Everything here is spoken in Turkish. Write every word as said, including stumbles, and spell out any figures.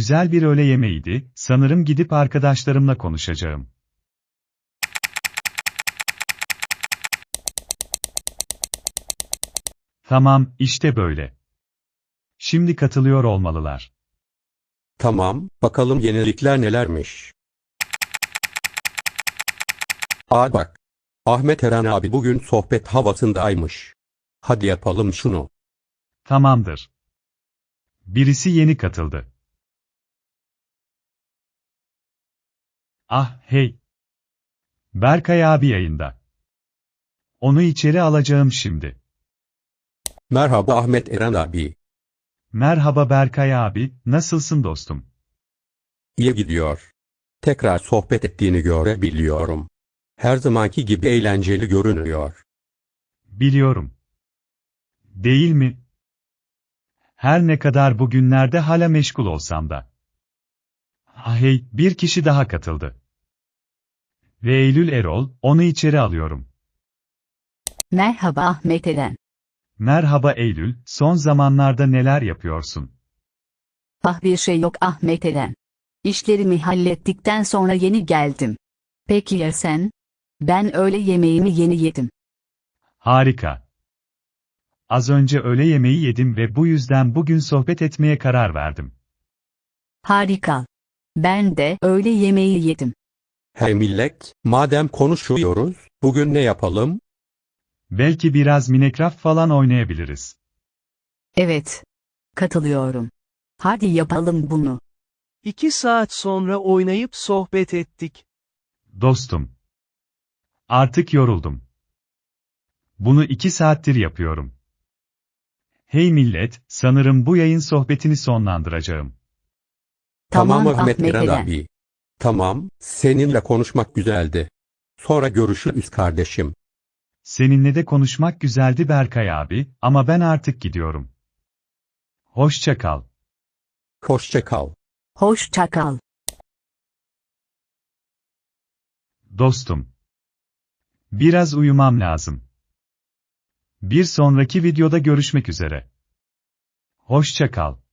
Güzel bir öğle yemeğiydi, sanırım gidip arkadaşlarımla konuşacağım. Tamam, işte böyle. Şimdi katılıyor olmalılar. Tamam, bakalım yenilikler nelermiş. Aa bak. Ahmet Eren abi bugün sohbet havasındaymış. Hadi yapalım şunu. Tamamdır. Birisi yeni katıldı. Ah, hey. Berkay abi yayında. Onu içeri alacağım şimdi. Merhaba Ahmet Eren abi. Merhaba Berkay abi, nasılsın dostum? İyi gidiyor. Tekrar sohbet ettiğini görebiliyorum. Her zamanki gibi eğlenceli görünüyor. Biliyorum. Değil mi? Her ne kadar bugünlerde hala meşgul olsam da. Ah hey, bir kişi daha katıldı. Ve Eylül Erol, onu içeri alıyorum. Merhaba Ahmet Eren. Merhaba Eylül, son zamanlarda neler yapıyorsun? Ah bir şey yok Ahmet Eren. İşlerimi hallettikten sonra yeni geldim. Peki ya sen? Ben öğle yemeğimi yeni yedim. Harika. Az önce öğle yemeği yedim ve bu yüzden bugün sohbet etmeye karar verdim. Harika. Ben de öğle yemeği yedim. Hey millet, madem konuşuyoruz, bugün ne yapalım? Belki biraz Minecraft falan oynayabiliriz. Evet. Katılıyorum. Hadi yapalım bunu. İki saat sonra oynayıp sohbet ettik. Dostum. Artık yoruldum. Bunu iki saattir yapıyorum. Hey millet, sanırım bu yayın sohbetini sonlandıracağım. Tamam Tamam Ahmet Ahmet Eren Eren. abi. Tamam, seninle konuşmak güzeldi. Sonra görüşürüz kardeşim. Seninle de konuşmak güzeldi Berkay abi, ama ben artık gidiyorum. Hoşça kal. Hoşça kal. Hoşça kal. Dostum. Biraz uyumam lazım. Bir sonraki videoda görüşmek üzere. Hoşça kal.